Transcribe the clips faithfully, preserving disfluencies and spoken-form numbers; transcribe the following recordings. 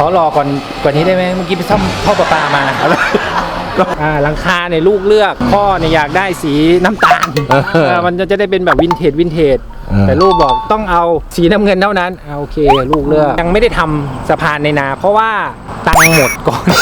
ขอรอก่อนกว่านี้ได้ไหมเมื่อกี้ไปซ่อมท่อประปามาอ่าหลังคาเนี่ยลูกเลือกพ่อเนี่ยอยากได้สีน้ำตาลมันจะได้เป็นแบบวินเทจวินเทจแต่ลูกบอกต้องเอาสีน้ำเงินเท่านั้นโอเคลูกเลือกยังไม่ได้ทำสะพานในนาเพราะว่าตังค์หมดก่อน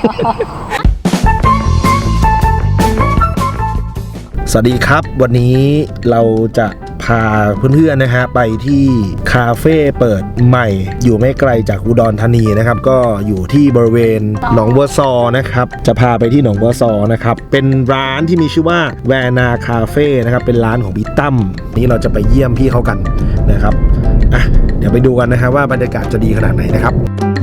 สวัสดีครับวันนี้เราจะพาเพื่อนๆนะฮะไปที่คาเฟ่เปิดใหม่อยู่ไม่ไกลจากอุดรธานีนะครับก็อยู่ที่บริเวณหนองบัวซอนะครับจะพาไปที่หนองบัวซอนะครับเป็นร้านที่มีชื่อว่าแวนาคาเฟ่นะครับเป็นร้านของพี่ตั้มนี่เราจะไปเยี่ยมพี่เขากันนะครับอ่ะเดี๋ยวไปดูกันนะฮะว่าบรรยากาศจะดีขนาดไหนนะครับ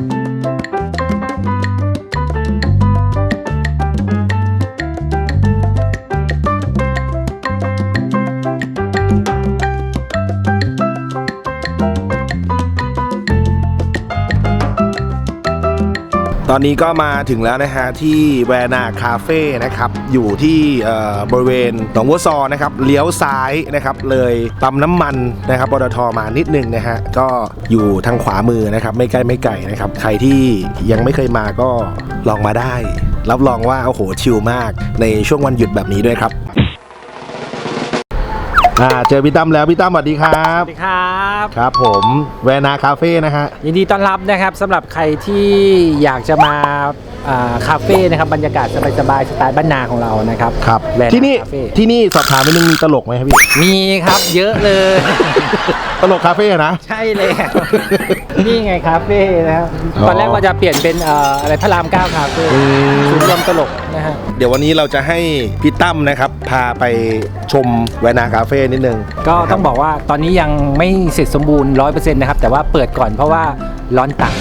ตอนนี้ก็มาถึงแล้วนะฮะที่แวนาคาเฟ่นะครับอยู่ที่บริเวณหนองบัวซอนะครับเลี้ยวซ้ายนะครับเลยปั๊มน้ำมันนะครับปตทมานิดนึงนะฮะก็อยู่ทางขวามือนะครับไม่ใกล้ไม่ไกลนะครับใครที่ยังไม่เคยมาก็ลองมาได้รับรองว่าโอ้โหชิลมากในช่วงวันหยุดแบบนี้ด้วยครับอ่าเจอพี่ตั้มแล้วพี่ตั้มสวัสดีครับสวัสดีครับครับผมแวนาคาเฟ่นะฮะยินดีต้อนรับนะครับสำหรับใครที่อยากจะมาคาเฟ่นะครับบรรยากาศสบายๆสไตล์บ้านนาของเรานะครับครับที่นี่ที่นี่สอบถามไปนึงมีตลกไหมครับพี่มีครับเยอะเลยตลกคาเฟ่นะใช่เลยนี่ไงคาเฟ่นะครับตอนแรกว่าจะเปลี่ยนเป็นอะไรพระรามเก้าคาเฟ่ศูนย์รวมตลกนะฮะเดี๋ยววันนี้เราจะให้พี่ตั้มนะครับพาไปชมแวนาคาเฟ่นิดนึงก็ต้องบอกว่าตอนนี้ยังไม่เสร็จสมบูรณ์ ร้อยเปอร์เซ็นต์ นะครับแต่ว่าเปิดก่อนเพราะว่าร้อนตังค์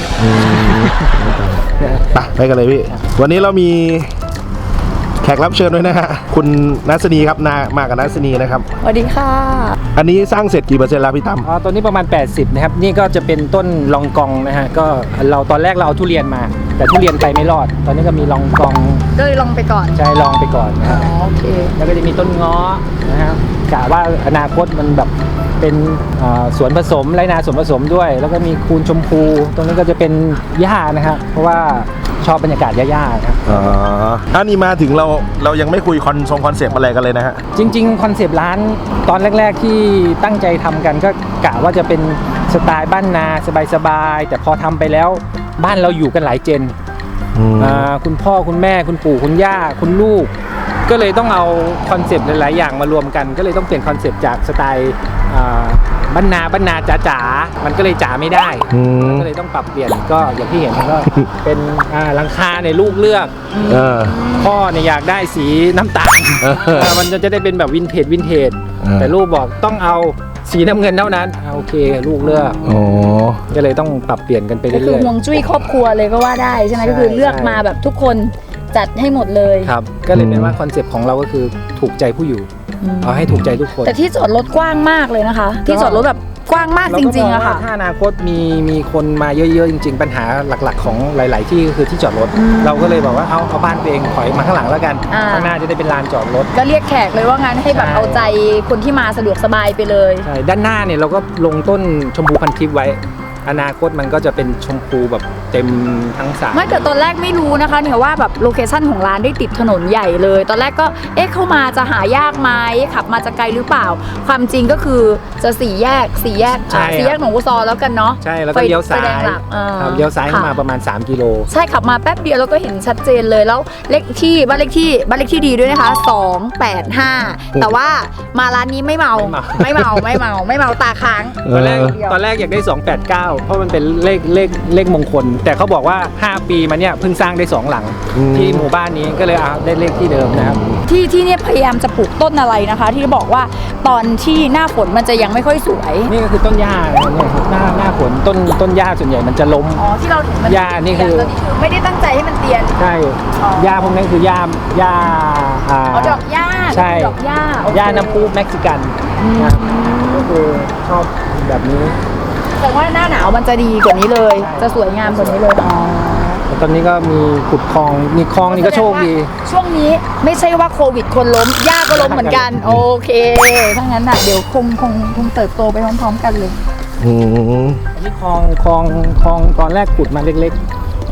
ไปไปกันเลยพี่วันนี้เรามีแขกรับเชิญด้วยนะฮะคุณนัสนีครับนามากับนัสนีนะครับสวัสดีค่ะอันนี้สร้างเสร็จกี่เปอร์เซ็นต์แล้วพี่ตั้มอ๋อตัวนี้ประมาณแปดสิบนะครับนี่ก็จะเป็นต้นลองกองนะฮะก็เราตอนแรกเราเอาทุเรียนมาแต่ทุเรียนไปไม่รอดตอนนี้ก็มีลองกองก็เลยลองไปก่อนใช่ลองไปก่อนอ๋อโอเคแล้วก็จะมีต้นง้อนะครับกะว่าอนาคตมันแบบเป็นสวนผสมไรนาสวนผสมด้วยแล้วก็มีคูนชมพูตรงนี้ก็จะเป็นหญ้านะครับเพราะว่าชอบบรรยากาศหญ้าๆครับอ๋อถ้านี่มาถึงเราเรายังไม่คุยคอนทรงคอนเซปต์อะไรกันเลยนะฮะจริงๆคอนเซปต์ร้านตอนแรกๆที่ตั้งใจทำกันก็กะว่าจะเป็นสไตล์บ้านนาสบายๆแต่พอทำไปแล้วบ้านเราอยู่กันหลายเจนคุณพ่อคุณแม่คุณปู่คุณย่าคุณลูกก็เลยต้องเอาคอนเซปต์หลายๆอย่างมารวมกันก็เลยต้องเปลี่ยนคอนเซปต์จากสไตล์บ้านนาบ้านนาจ๋าๆมันก็เลยจ๋าไม่ได้ก็เลยต้องปรับเปลี่ยนก็อย่างที่เห็นก็เป็นหลังคาในลูกเลือกพ่อเนี่ยอยากได้สีน้ำตาลมันจะได้เป็นแบบวินเทจวินเทจแต่ลูกบอกต้องเอาสีน้ำเงินเท่านั้นโอเคลูกเลือกก็เลยต้องปรับเปลี่ยนกันไปเรื่อยๆก็คือฮวงจุ้ยครอบครัวเลยก็ว่าได้ใช่ไหมก็คือเลือกมาแบบทุกคนจัดให้หมดเลยครับก็เลยเป็นว่าคอนเซปต์ของเราก็คือถูกใจผู้อยู่เอาให้ถูกใจทุกคนแต่ที่จอดรถกว้างมากเลยนะคะที่จอดรถแบบกว้างมากจริงๆอะค่ะถ้าอนาคตมีมีคนมาเยอะๆจริงๆปัญหาหลักๆของหลายๆที่ก็คือที่จอดรถเราก็เลยบอกว่าเอาเอาบ้านตัวเองถอยมาข้างหลังแล้วกันข้างหน้าจะได้เป็นลานจอดรถก็เรียกแขกเลยว่างั้นให้แบบเอาใจคนที่มาสะดวกสบายไปเลยใช่ด้านหน้าเนี่ยเราก็ลงต้นชมพูพันทิพย์ไว้อนาคตมันก็จะเป็นชมพูแบบเต็มทั้งสระไม่แต่ตอนแรกไม่รู้นะคะเนี่ยว่าแบบโลเคชั่นของร้านได้ติดถนนใหญ่เลยตอนแรกก็เอ๊ะเข้ามาจะหายากไหมขับมาจะไกลหรือเปล่าความจริงก็คือจะสี่แยกสี่แยกสี่แยกหนองบัวซอแล้วกันเนาะใช่แล้วก็เลี้ยวซ้ายเลี้ยวซ้ายเข้ามาประมาณสามกิโลใช่ขับมาแป๊บเดียวแล้วก็เห็นชัดเจนเลยแล้วเลขที่บ้านเลขที่บ้านเลขที่ดีด้วยนะคะสองแปดห้าแต่ว่ามาร้านนี้ไม่เมาไม่เมาไม่เมาไม่เมาตาค้างตอนแรกตอนแรกอยากได้สองแปดเก้าเพราะมันเป็นเลขเลขเลขมงคลแต่เขาบอกว่าห้าปีมาเนี่ยเพิ่งสร้างได้สองหลังที่หมู่บ้านนี้ก็เลยเอาได้เลขที่เดิมนะครับที่ที่เนี่ยพยายามจะปลูกต้นอะไรนะคะที่บอกว่าตอนที่หน้าฝนมันจะยังไม่ค่อยสวยนี่ก็คือต้นหญ้าเนี่ยหน้าหน้าฝนต้นต้นหญ้าส่วนใหญ่มันจะล้มอ๋อที่เราเห็นมันหญ้านี่คือไม่ได้ตั้งใจให้มันเตียนใช่หญ้าพวกนั้นคือหญ้าหญ้าอ๋อดอกหญ้าใช่ดอกหญ้าหญ้าน้ำพุเม็กซิกันก็คือชอบแบบนี้แต่ว่าหน้าหนาวมันจะดีกว่านี้เลยจะสวยงามกว่านี้เลยอ๋อตอนนี้ก็มีขุดคลองมีคลองนี่ก็โชคดีช่วงนี้ไม่ใช่ว่าโควิดคนล้มหญ้าก็ล้มเหมือนกันโอเคถ้างั้นน่ะเดี๋ยวคงคงคงเติบโตไปพร้อมๆกันเลยอืมนี่คลองคลองคลองตอนแรกขุดมาเล็กๆ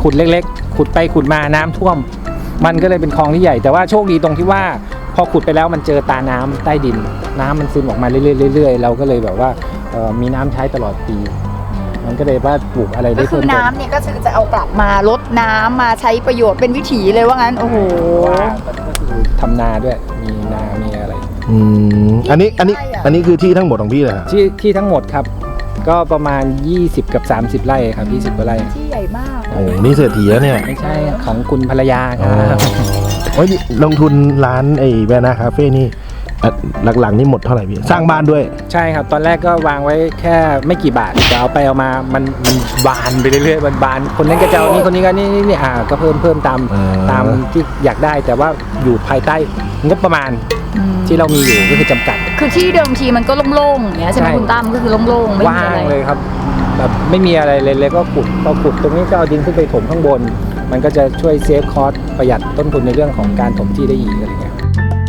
ขุดเล็กๆ ขุดไปขุดมาน้ำท่วม มันก็เลยเป็นคลองที่ใหญ่แต่ว่าโชคดีตรงที่ว่าพอขุดไปแล้วมันเจอตาน้ำใต้ดินน้ำมันซึมออกมาเรื่อยๆเรื่อยๆเราก็เลยแบบว่าเอ่อมีน้ำใช้ตลอดปี มันก็เลยว่าปลูกอะไรได้ก็คืเพิ่อมเติมน้ำเนี่ยก็คือจะเอากลับมาลดน้ำมาใช้ประโยชน์เป็นวิถีเลยว่างั้นโอ้โหว่าก็คือทำนาด้วยมีนามีอะไรอืมอันนี้อันนี้อันนี้คือที่ทั้งหมดของพี่เลยฮะที่ที่ทั้งหมดครับก็ประมาณยี่สิบกับสามสิบไร่ครับยี่สิบกว่าไร่ที่ใหญ่มากโอ้โหนี่เศรษฐีแล้วเนี่ยไม่ใช่ของคุณภรรยาคอ๋อรับโอ้ยนี่ลงทุนร้านไอ้แวนาคาเฟ่นี่อ่ะหลังๆนี่หมดเท่าไหร่พี่สร้างบ้านด้วยใช่ครับตอนแรกก็วางไว้แค่ไม่กี่บาทแต่เอาไปเอามามันมันบานไปเรื่อยๆมันบานคนนั้นก็จะเอานี่คนนี้ก็นี่นี่นี่อ่าก็เพิ่มเพิ่มตามอ่าตามที่อยากได้แต่ว่าอยู่ภายใต้งบประมาณอืมที่เรามีอยู่ก็คือจำกัดคือที่เดิมทีมันก็โล่งๆอย่างเงี้ยใช่ไหมใช่คุณตั้มก็คือโล่งๆไม่ว่างมีอะไรเลยครับแบบไม่มีอะไรเลยเลยก็ขุดพอขุดตรงนี้ก็เอาดินขึ้นไปถมข้างบน มันก็จะช่วยเซฟคอสประหยัดต้นทุนในเรื่องของการถมที่ได้อีกอะไรเงี้ย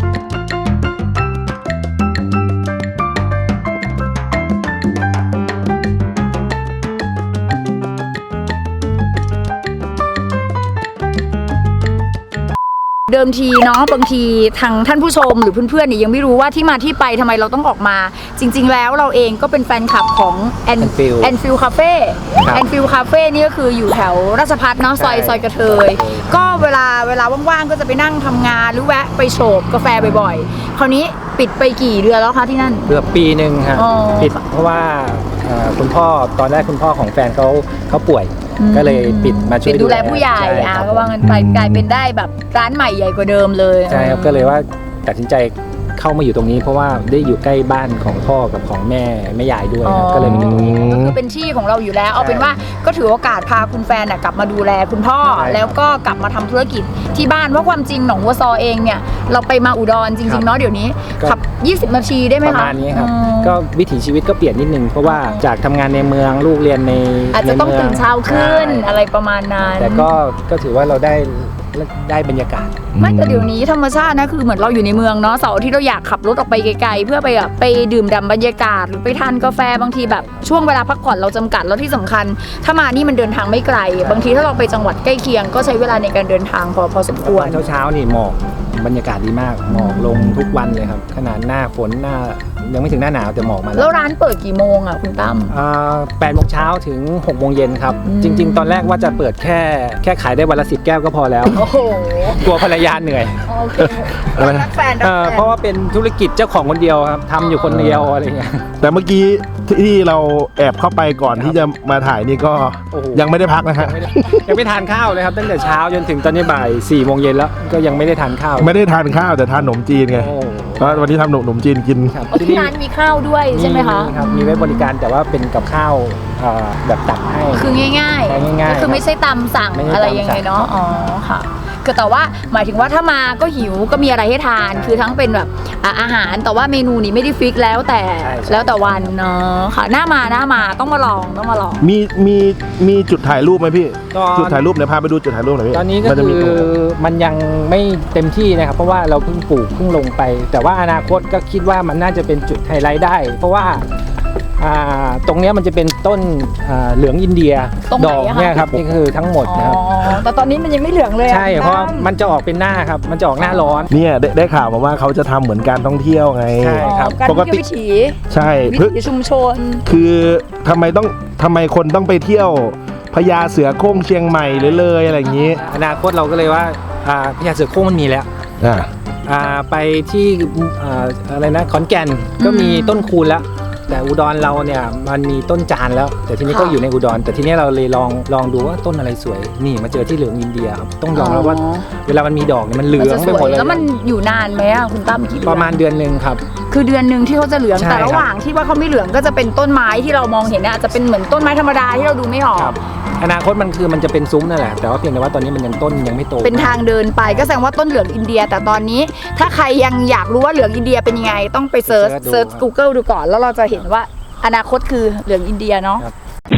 เดิมทีเนาะบางทีทางท่านผู้ชมหรือเพื่อนๆเนี่ยยังไม่รู้ว่าที่มาที่ไปทำไมเราต้องออกมา จริง ๆ แล้วเราเองก็เป็นแฟนคลับของแอน Enfield แอนฟิลคาเฟ่ครับแอนฟิลคาเฟ่นี่ก็คืออยู่แถวราชพัฒเนาะซอยใช่ซอยกระเทย ก็เวลาเวลาว่างๆก็จะไปนั่งทำงานหรือแวะไปโฉบกาแฟบ่อยๆ คราวนี้ปิดไปกี่เดือนแล้วคะที่นั่นเกือบปีหนึ่งครับอ๋อปิดเพราะว่าเอ่อคุณพ่อตอนแรกคุณพ่อของแฟนเขาเขาป่วยอืมก็เลยปิดมาช่วยปิดดูแลผู้ใหญ่ช่อ่ะครับก็ว่างันไปอืมกลายเป็นได้แบบร้านใหม่ใหญ่กว่าเดิมเลยใช่ครับก็เลยว่าตัดสินใจเข้ามาอยู่ตรงนี้ เพราะว่าได้อยู่ใกล้บ้านของพ่อกับของแม่แม่ยายด้วยครับก็เลยมาอยู่ตรงนี้ก็คือเป็นที่ของเราอยู่แล้ว เอาเป็นว่าก็ถือโอกาสพาคุณแฟนน่ะกลับมาดูแลคุณพ่อใช่ครับแล้วก็กลับมาทำธุรกิจที่บ้านเพราะความจริงหนองวัวซอเองเนี่ยเราไปมาอุดรจครัริงบๆเนาะเดี๋ยวนี้ก็ขับ ยี่สิบ นาทีได้ไหมประคะมาณนี้ครับอืมก็วิถีชีวิตก็เปลี่ยนนิดนึงเพราะว่าจากทำงานในเมืองลูกเรียนในอาจจะต้องใมืตื่นเช้าขึ้นใช่อะไรประมาณนั้นแต่ก็ก็ถือว่าเราได้ได้บรรยากาศไม่แต่เดี๋ยวนี้ธรรมชาตินะคือเหมือนเราอยู่ในเมืองเนาะเสาร์อาที่เราอยากขับรถออกไปไกลๆเพื่อไปแบบไปดื่มด่ำบรรยากาศหรือไปทานกาแฟบางทีแบบช่วงเวลาพักผ่อนเราจำกัดแล้วที่สำคัญ ถ้ามานี่มันเดินทางไม่ไกล บางทีถ้าเราไปจังหวัดใกล้เคียง ก็ใช้เวลาในการเดินทางพอพอสมควรเช้าเช้าๆนี่หมอกบรรยากาศดีมากหมอกลงทุกวันเลยครับขนาดหน้าฝนหน้ายังไม่ถึงหน้าหนาวแต่หมอกมาแล้แล้ว วร้านเปิดกี่โมงอ่ะคุณตั้มแปดโมงเช้าถึงหกโมงเย็นครับอืมจริง ๆ ตอนแรกว่าจะเปิดแค่แค่ขายได้วันละสิบแก้วก็พอแล้วโอ้โหกลัวภรรยาเหนื่อยโอเครักแฟนรักเอ่อแฟเพราะว่าเป็นธุรกิจเจ้าของคนเดียวครับทำอยู่คนเดียวอะไรเงี้ยแต่เมื่อกี้ที่เราแอบเข้าไปก่อนที่จะมาถ่ายนี่ก็โอ้โหยังไม่ได้พักนะฮะยังไม่ได้ยังไม่ทานข้าวเลยครับตั้งแต่เช้าจนถึงตอนนี้บ่ายสี่โมงเย็นแล้วก็ยังไม่ได้ทานข้าวไม่ได้ทานข้าวแต่ทานขนมจีนไงโอ้เพราะวันนี้ทำขนมจีนกินครับอ๋อที่ร้านมีข้าวด้วยใช่ไหมคะครับมีไว้บริการแต่ว่าเป็นกับข้าวเอ่อแบบตักให้คือง่ายง่ายๆๆก็คือไม่ใช่ตามสั่งไม่ใช่อะไรตามยังสั่ไงงเนาะอ๋อค่ะคือแต่ว่าหมายถึงว่าถ้ามาก็หิวก็มีอะไรให้ทานใช่คือทั้งเป็นแบบอ่ะอาหารแต่ว่าเมนูนี้ไม่ได้ฟิกแล้วแต่ใช่ใช่แล้วแต่วันเนาะค่ะหน้ามาหน้ามาต้องมาลองต้องมาลองมีมีมีจุดถ่ายรูปไหมพี่ตอนจุดถ่ายรูปเดี๋ยวพาไปดูจุดถ่ายรูปหน่อยพี่ตอนนี้ก็มัจะคืมีอตรงไหนมันยังไม่เต็มที่นะครับเพราะว่าเราเพิ่งปลูกเพิ่งลงไป แต่ว่าอนาคตก็คิดว่ามันน่าจะเป็นจุดไฮไลท์ได้ เพราะว่าอ่าตรงเนี้ยมันจะเป็นต้นอ่าเหลืองอินเดียตรงไหนดอกอะคะเนี่ยครับนี่คือทั้งหมดอ๋อนะครับแต่ตอนนี้มันยังไม่เหลืองเลยอะใช่เพราะมันจะออกเป็นหน้าครับมันจะออกหน้าร้อนเนี่ยได้ได้ข่าวมาว่าเขาจะทำเหมือนการท่องเที่ยวไงใช่อ๋อครับการปกติเที่ยววิถีใช่วิเพื่อถีชุมชนคือทำไมต้องทำไมคนต้องไปเที่ยวพญาเสือโคร่งเชียงใหม่เลยเลยอะไรอย่างนี้อนาคตเราก็เลยว่าอ่าพญาเสือโคร่งมันมีแล้วอ่าอ่าไปที่อ่าอะไรนะขอนแก่นก็มีอืมต้นคูณแล้ว แต่อุดรเราเนี่ยมันมีต้นจานแล้ว แต่ทีนี้ค่ะก็อยู่ในอุดร แต่ทีนี้เราเลยลองลองดูว่าต้นอะไรสวย นี่มาเจอที่เหลืองอินเดียครับต้องยอมรับว่าอ๋อเวลามันมีดอกเนี่ยมันเหลืมันองจะสไปหมวดยเลยแล้วมันอยู่นานไหมอะคุณตั้มกี่เดือนประมาณเดือนหนึ่งครับคือเดือนหนึ่งที่เขาจะเหลืองใช่แต่ครับระหว่างที่ว่าเขาไม่เหลืองก็จะเป็นต้นไม้ที่เรามองเห็นเนี่ยอาจจะเป็นเหมือนต้นไม้ธรรมดาที่เราดูไม่ออกครับอนาคตมันคือมันจะเป็นซุ้มนั่นแหละแต่ว่าเพียงแต่ว่าตอนนี้มันยังต้นยังไม่โตเป็นทางเดินไปก็แสดงว่าต้นเหลืองอินเดีย แต่ตอนนี้ ถ้าใครยังอยากรู้ว่าเหลืองอินเดียเป็นยังไง ต้องไปเซิร์ชเซิร์ช Google ดูก่อน แล้วเราจะเห็นว่าอนาคตคือเหลืองอินเดียเนาะ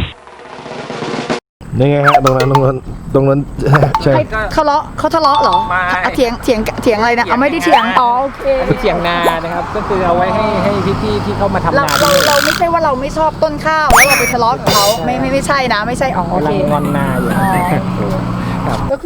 นี่ไงฮะตรงนั้นตรงนั้นตรงนั้นใช่ใครเขาเลาะเขาทะเลาะเหรอไม่อ่ะเถียงเถียงเถียงอะไรนะเอาไม่ได้เถียงอ๋อโอเคอันนี้เถียงนานะครับก็คือเอาไว้ให้ให้พี่ๆที่เข้ามาทำเรานาเราที่นี่เราไม่ใช่ว่าเราไม่ชอบต้นข้าวแล้วเราไปทะเลาะกับเขาไม่ไม่ไม่ใช่นะไม่ใช่อ๋อโอเคกำลังงอนนาอยู่อ๋อ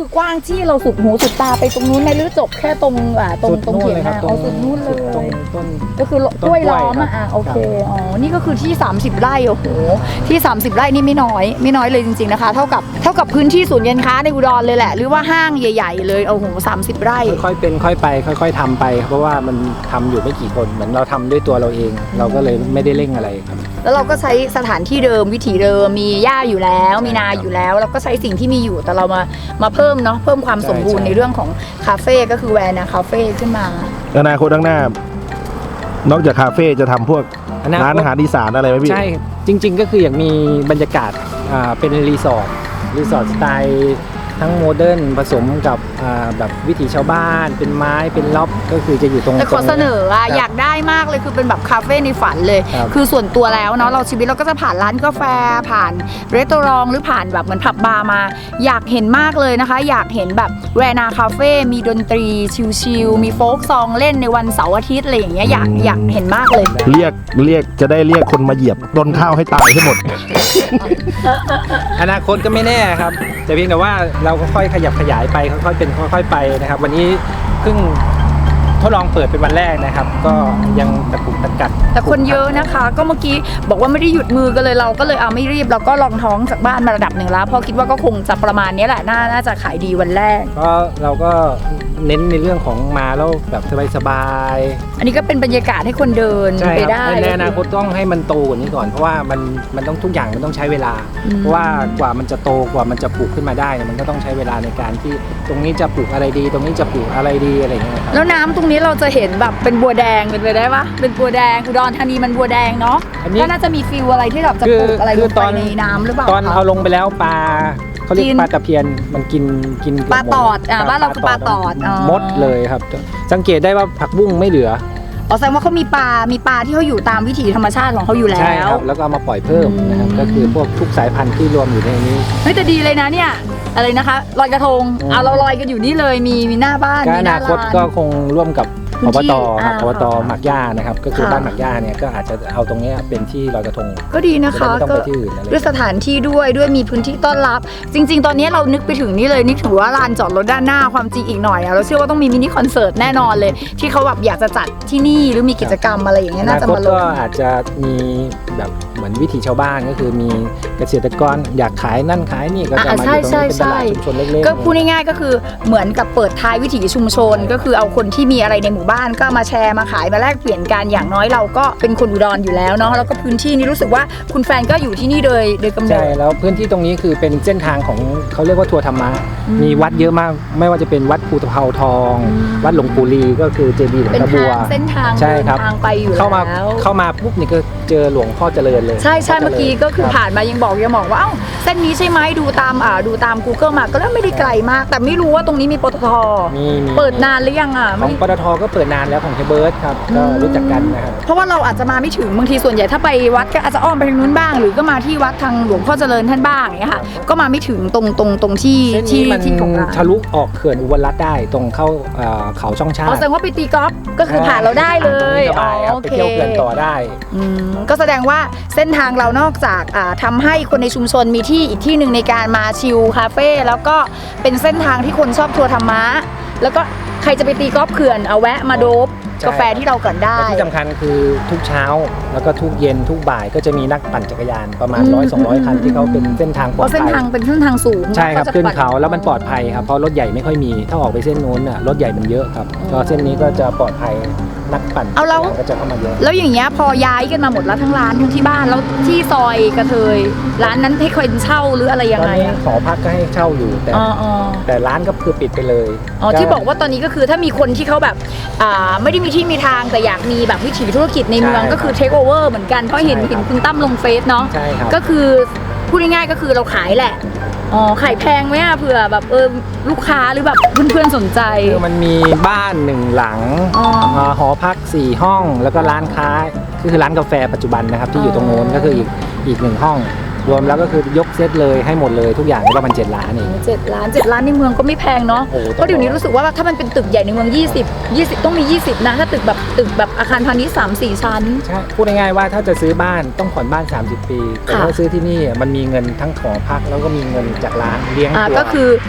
คือกว้างที่เราสุดหูสุดตาไปตรงนู้นไหมหรือจบแค่ตรงอ่าตรงตรงเขียงนาเอาสุดนู้นเลยตรงต้นก็คือกล้วยล้อมอ่ะอ่ะโอเคอ๋อนี่ก็คือที่สามสิบไร่โอ้โหที่สามสิบไร่นี่ไม่น้อยไม่น้อยเลยจริงๆนะคะเท่ากับเท่ากับพื้นที่ศูนย์การค้าในอุดรเลยแหละหรือว่าห้างใหญ่ๆเลยโอ้โหสามสิบไร่ค่อยๆเป็นค่อยไปค่อยๆทำไป เพราะว่ามันทำอยู่ไม่กี่คนเหมือนเราทำด้วยตัวเราเอง เราก็เลยไม่ได้เร่งอะไรครับแล้วเราก็ใช้สถานที่เดิมวิถีเดิมมีหญ้าอยู่แล้ว มีนาอยู่แล้วเราก็ใช้สิ่งที่มีอยู่แต่เรามามาเพิ่มเนาะเพิ่มความสมบูรณ์ใช่ในเรื่องของคาเฟ่ก็คือแวร์นาคาเฟ่ขึ้นมาอนาคตข้างหน้า นอกจากคาเฟ่จะทำพวกอนาคตร้านอาหารอีสานอะไรไหมพี่ใช่จริง ๆ ก็คืออยากมีบรรยากาศอ่าเป็นรีสอร์ทรีสอร์ทสไตล์ทั้งโมเดิร์นผสมกับอ่าแบบวิถีชาวบ้าน เป็นไม้เป็นล็อบก็คือจะอยู่ตรงแต่ขอตรงเสนออ่ะครับอยากได้มากเลยคือเป็นแบบคาเฟ่ในฝันเลยครับคือส่วนตัวแล้วเนาะเราชีวิตเราก็จะผ่านร้านกาแฟผ่านรีสอร์ทหรือผ่านแบบเหมือนผับบาร์มา อยากเห็นมากเลยนะคะ อยากเห็นแบบแวร์นาคาเฟ่มีดนตรีชิลๆมีโฟล์กซองเล่นในวันเสาร์อาทิตย์อะไรอย่างเงี้ยอยากอยากเห็นมากเลยเรียกเรียกจะได้เรียกคนมาเหยียบต้นข้าวให้ตายให้หมดอนาคตก็ไม่แน่ครับแต่เพียงแต่ว่าเราก็ค่อยขยับขยายไปค่อยๆเป็นค่อยๆไปนะครับ วันนี้เพิ่งทดลองเปิดเป็นวันแรกนะครับ ก็ยังตะกุกตะกัดแต่คนเยอะนะคะ ก็เมื่อกี้บอกว่าไม่ได้หยุดมือกันเลยเราก็เลยเอาไม่รีบเราก็ลองท้องจากบ้านมาระดับหนึ่งแล้วเพราะคิดว่าก็คงจะประมาณนี้แหละน่าน่าจะขายดีวันแรกก็เราก็เน้นในเรื่องของมาแล้วแบบสบายอันนี้ก็เป็นบรรยากาศให้คนเดินๆใช่ไปครับได้ในอนาคตต้องให้มันโตกว่านี้ก่อนเพราะว่ามันมันต้องทุกอย่างมันต้องใช้เวลาอืมเพราะว่ากว่ามันจะโตกว่ามันจะปลูกขึ้นมาได้เนี่ยมันก็ต้องใช้เวลาในการที่ตรงนี้จะปลูกอะไรดี ตรงนี้จะปลูกอะไรดีอะไรอย่างเงี้ยครับแล้วน้ำตรงนี้เราจะเห็นแบบเป็นบัวแดงเป็นไปได้ปะเป็นบัวแดงอุดรธานีมันบัวแดงเนาะอันนี้ก็น่าจะมีฟิลอะไรที่แบบจะปลูกอะไรลงไปในน้ำหรือเปล่าตอนคะเอาลงไปแล้วปลาเขาเรียกกินปลาตะเพียนมันกินกินเกืบปลาตอดหมอ่าบ้านเราคือปลาตอดอ๋อหมดเลยครับ สังเกตได้ว่าผักบุ้งไม่เหลืออ๋อแสดงว่าเขามีปลา มีปลาที่เขาอยู่ตามวิถีธรรมชาติของเขาอยู่แล้ใช่วครับแล้วก็เอามาปล่อยเพิ่มนะครับอืมก็คือพวกทุกสายพันธุ์ที่รวมอยู่ในนี้เฮ้ยแต่ดีเลยนะเนี่ยอะไรนะคะลอยกระทงอืมเอาเราลอยกันอยู่นี่เลยมีมีหน้าบ้านก็มีอหน้านาคตร้านก็คงร่วมกับพื้อน บที่ตครับอ่าอบตหมักย่านะครับก็คือค่ะบ้านหมักย่าเนี่ยก็อาจจะเอาตรงเนี้ยเป็นที่ลอยกระทงก็ดีนะคะจะได้ไม่ต้องก็ไปที่อื่นอะไรด้วยสถานที่ด้วยด้วยมีพื้นที่ต้อนรับ จริง ๆ ตอนนี้เรานึกไปถึงนี่เลยนึกถึงว่าลานจอดรถด้านหน้าความจริงอีกหน่อยอะเราเชื่อว่าต้องมีมินิคอนเสิร์ตแน่นอนเลย ที่เขาแบบอยากจะจัดที่นี่หรือมีกิจกรรมอะไรอย่างเงี้ยน่าจะมาลอคตงก็อาจจะมีแบบเหมือนวิถีชาวบ้านก็คือมีเกษตรกรอยากขายนั่นขายนี่ก็จะอ่ามาใช่อยู่ตรงนี้เป็นตใช่ลาดชุมชนเล็กๆก็พูดง่ายๆก็คือเหมือนกับเปิดท้ายวิถีชุมชน ก็คือเอาคนที่มีอะไรในหมู่บ้านก็มาแชร์มาขายมาแลกเปลี่ยนกันอย่างน้อยเราก็เป็นคนอุดรอยู่แล้วเนาะแล้วก็พื้นที่นี้รู้สึกว่าคุณแฟนก็อยู่ที่นี่โดยโดยกำเนิใช่ดแล้วพื้นที่ตรงนี้คือเป็นเส้นทางของเขาเรียกว่าทัวร์ธรรมะอืมมีวัดเยอะมากไม่ว่าจะเป็นวัดภูตะเภาทองอืมวัดหลวงปู่ลีก็คือเจดีย์หลวงเป็นตาบัทาว งเส้นทางใช่เดินครับทางไปอยู่เข้ามาแล้วเข้ามาปุ๊บนี่ก็เจอหลวงพ่อเจริญเลยใช่ใช่พ่จริญเมื่อกี้ก็คือรับผ่านมายังบอกยังบอกว่าเอ้าเส้นนี้ใช่ไหมดูตามอ่าดูตาม Google มาก็แล้วไม่ได้ไกลมาก แต่ไม่รู้ว่าตรงนี้มีปตทมีมีเปิดนานหรือยังอ่ะขอไม่งปตทก็เปิดนานแล้วของเฮเบิร์ตครับก็รู้จักกันนะครับเพราะว่าเราอาจจะมาไม่ถึงบางทีส่วนใหญ่ถ้าไปวัดก็อาจจะอ้อมไปทางนู้นบ้าง หรือก็มาที่วัดทางหลวงพ่อเจริญท่านบ้างอย่างเงี้ยค่ะก็มาไม่ถึงตรงตรงตรงที่เส้นที่นี้มันที่ของร้านทะลุออกเขื่อนอุบลรัตน์ได้ตรงเข้าเอ่อเขาช่องชาอ๋อติแสดงว่าไปตีกอล์ฟก็คือผ่านเราได้เลยสบายครับโอไปเคเที่ยวเขื่อนต่อได้อืมก็แสดงว่าเส้นทางเรานอกจากอ่าทำให้คนในชุมชนมีที่อีกที่หนึ่งในการมาชิลคาเฟ่แล้วก็เป็นเส้นทางที่คนชอบทัวร์ธรรมะแล้วก็ใครจะไปตีกอล์ฟเขื่อนเอาแวะมาโดบใช่กาแฟที่เราก่อนได้และที่สำคัญคือทุกเช้าแล้วก็ทุกเย็นทุกบ่ายก็จะมีนักปั่นจักรยานประมาณอืมร้อยสองร้อยคันที่เขาเป็นเส้นทางปเพลอดราะเส้นภัยทางเป็นเส้นทางสูงใช่ครับจะขึ้นปั่เขาแล้วมันปลอดภัยครับเพราะรถใหญ่ไม่ค่อยมีถ้าออกไปเส้นนู้นน่ะรถใหญ่มันเยอะครับอืมก็เส้นนี้ก็จะปลอดภัยนักปั่นเอาแล้วก็จะเข้ามาเยอะแล้วอย่างเงี้ยพอย้ายกันมาหมดแล้วทั้งร้านทั้งที่บ้านแล้วที่ซอยกระเทยร้านนั้นให้คนเช่าหรืออะไรยังตอนไงนี้อะหอพักก็ให้เช่าอยู่แต่อ๋ออ๋อแต่ร้านก็คือปิดไปเลยอ๋อที่บอกว่าตอนนี้ก็คือถ้ามีคนที่เขาแบบอ่าไม่ได้มีที่มีทางแต่อยากมีแบบวิถีธุรกิจในเมืองก็คือเทคโอเวอร์เหมือนกันเพราะเห็นเห็นคุณตั้มลงเฟซเนาะใช่ครับก็คือพูดง่ายๆก็คือเราขายแหละอ๋อขายแพงไหมอะเผื่อแบบเออลูกค้าหรือแบบเพื่อนๆสนใจคือมันมีบ้านหนึ่งหลังอ๋ออ่าหอพักสี่ห้องแล้วก็ร้านค้าคือร้านกาแฟปัจจุบันนะครับที่อยู่ตรงโน้นก็คืออีกอีกหนึ่งห้อง รวมแล้วก็คือยกเซตเลยให้หมดเลยทุกอย่างก็ประมาณเจ็ดล้านเองเจ็ดล้านเจ็ดล้านในเมืองก็ไม่แพงเนาะโอ้โหเพราะเดี๋ยวนี้รู้สึกว่าถ้ามันเป็นตึกใหญ่ในเมืองยี่สิบ ยี่สิบต้องมียี่สิบนะถ้าตึกแบบตึกแบบอาคารพาณิชย์สามสี่ชั้นใช่พูดง่ายๆว่าถ้าจะซื้อบ้านต้องผ่อนบ้าน สามสิบ ปี แต่ค่ะถ้าซื้อที่นี่มันมีเงินทั้งหอพักแล้วก็มีเงินจากร้านเลี้ยงอ่าตัวก็คือ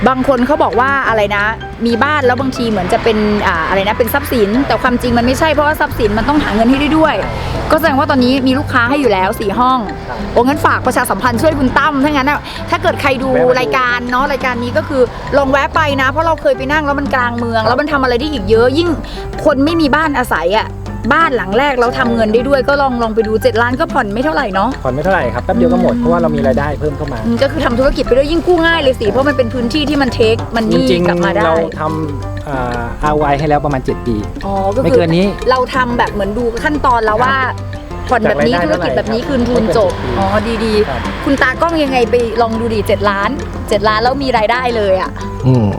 บางคนเขาบอกว่าอะไรนะมีบ้านแล้วบางทีเหมือนจะเป็นอ่าอะไรนะเป็นทรัพย์สินแต่ความจริงมันไม่ใช่เพราะว่าทรัพย์สินมันต้องหาเงินให้ได้ด้วย ก็แสดงว่าตอนนี้มีลูกค้าให้อยู่แล้วสี่ห้องโอ้งั้นฝากประชาสัมพันธ์ช่วยคุณตั้มถ้างั้นนะถ้าเกิดใครดูรายการเนาะรายการนี้ก็คือลองแวะไปนะเพราะเราเคยไปนั่งแล้วมันกลางเมืองแล้วมันทำอะไรได้อีกเยอะยิ่งคนไม่มีบ้านอาศัยอ่ะบ้านหลังแรกเราทำเงินได้ด้วยก็ลองลองไปดูเจ็ดล้านก็ผ่อนไม่เท่าไหร่เนาะผ่อนไม่เท่าไหร่ครับแป๊บเดียวก็หมดเพราะว่าเรามีรายได้เพิ่มเข้ามาอืมก็คือทำธุรกิจไปด้วยยิ่งกู้ง่ายเลยสิเพราะมันเป็นพื้นที่ที่มันเทคมันจนี่ริงกลับมาได้ๆเราทำอ่า อาร์ โอ ไอ ให้แล้วประมาณเจ็ดปีอ๋อก็ไม่คืเกินนี้เราทำแบบเหมือนดูขั้นตอนแล้วว่าผ่อนแบบนี้จากธุราร ยได้กิจแบบนี้เท่าไหร่คืนทุนจบไม่เกินอ๋อดีครับๆ คุณตากล้องยังไงไปลองดูดิเจ็ดล้านเจ็ดล้านแล้วมีรายได้เลยอ่ะอืม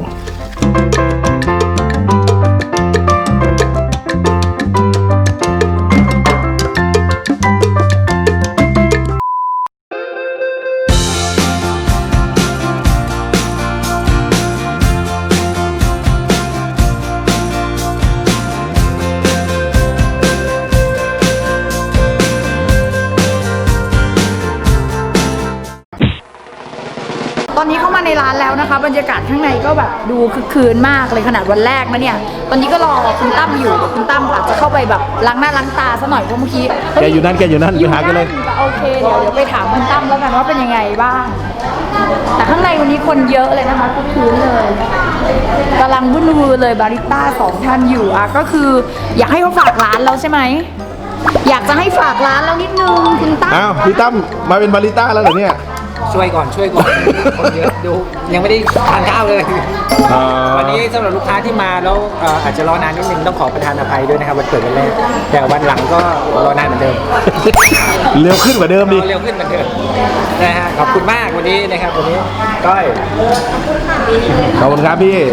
ตอนนี้เข้ามาในร้านแล้วนะคะบรรยากาศข้างในก็แบบดูคึกคืนมากเลยขนาดวันแรกนะเนี่ยตอนนี้ก็รอคุณตั้มอยู่คุณตั้มอาจจะเข้าไปแบบล้างหน้าล้างตาซะหน่อยเพราะเมื่อกี้แกอยู่นั่นแกอยู่นั่นอยู่ไปหากันเลยนั่นโอเคเดี๋ยวเดี๋ยวไปถามคุณตั้มแล้วกันว่าเป็นยังไงบ้าง แต่ข้างในวันนี้คนเยอะเลยนะคะคึกคืนเลยกำลังวุ่นวายเลยบาริสต้าสองท่านอยู่อ่ะก็คืออยากให้เขาฝากร้านแล้วใช่ไหมอยากจะให้ฝากร้านแล้วนิดนึงคุณตั้มอ้าวพี่ตั้มมาเป็นบาริสต้าแล้วเหรอเนี่ยช่วยก่อนช่วยก่อนคนเยอะดูยังไม่ได้ทานข้าวเลย วันนี้สำหรับลูกค้าที่มาแล้วเอ่ออาจจะรอนานนิดนึงต้องขอประทานอภัยด้วยนะครับวันเกิดวันแรกแต่วันหลังก็รอนานเหมือนเดิมเร็วขึ้นกว่าเดิมดิรอเร็วขึ้นเหมือนเดิมนะฮะขอบคุณมากวันนี้นะครับวันนี้ก้อยขอบคุณครับพี่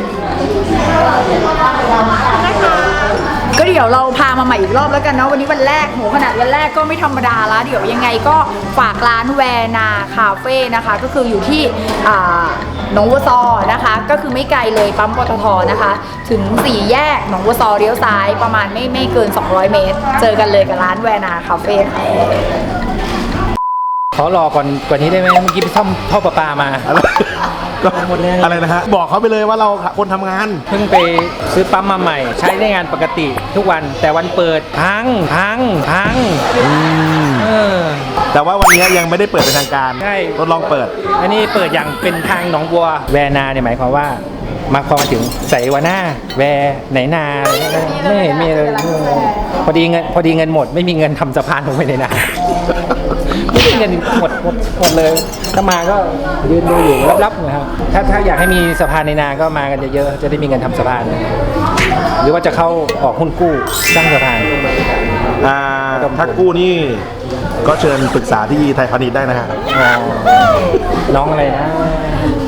ก็เดี๋ยวเราพามาใหม่อีกรอบแล้วกันเนาะวันนี้วันแรกโหขนาดวันแรกก็ไม่ธรรมดาละเดี๋ยวยังไงก็ฝากร้านแวนาคาเฟ่นะคะก็คืออยู่ที่อ่าหนองวัวซอนะคะก็คือไม่ไกลเลยปั๊มปตทนะคะ ถึงสี่แยกหนองวัวซอเลี้ยวซ้ายประมาณไม่ไม่เกินสองร้อยเมตร เจอกันเลยกับร้านแวนาคาเฟ่ค่ะขอรอก่อนกว่านี้ได้ไหมเมื่อกี้ไปซ่อมท่อประปามาก็อะไรนะฮะ บอกเขาไปเลยว่าเราคนทำงานเพิ่งไปซื้อปั๊มมาใหม่ ใช้ได้งานปกติทุกวันแต่วันเปิดพังพังพังเออแต่ว่าวันนี้ยังไม่ได้เปิดเป็นทางการใช่ทดลองเปิดอันนี้เปิดอย่างเป็นทางหนองบัวแวนาเนี่ยหมายความว่ามาพอมาถึงใส่วาหน้าแวไหนนาอะไรเงี้ยไม่เห็นมีเลยพอดีเงินพอดีเงินหมดไม่มีเงินทำสะพานลงไปในนาไม่มีเงินหมดหมดหมดเลยถ้ามาก็ยืนดูอยู่รับๆนะครับถ้าถ้าอยากให้มีสะพานในนาก็มากันเยอะๆจะได้มีเงินทำสะพานหรือว่าจะเข้าออกหุ้นกู้สร้างสะพานอ่าถ้ากู้นี่ก็เชิญปรึกษาที่ไทยพาณิชย์ได้นะฮะอ๋อน้องอะไรนะ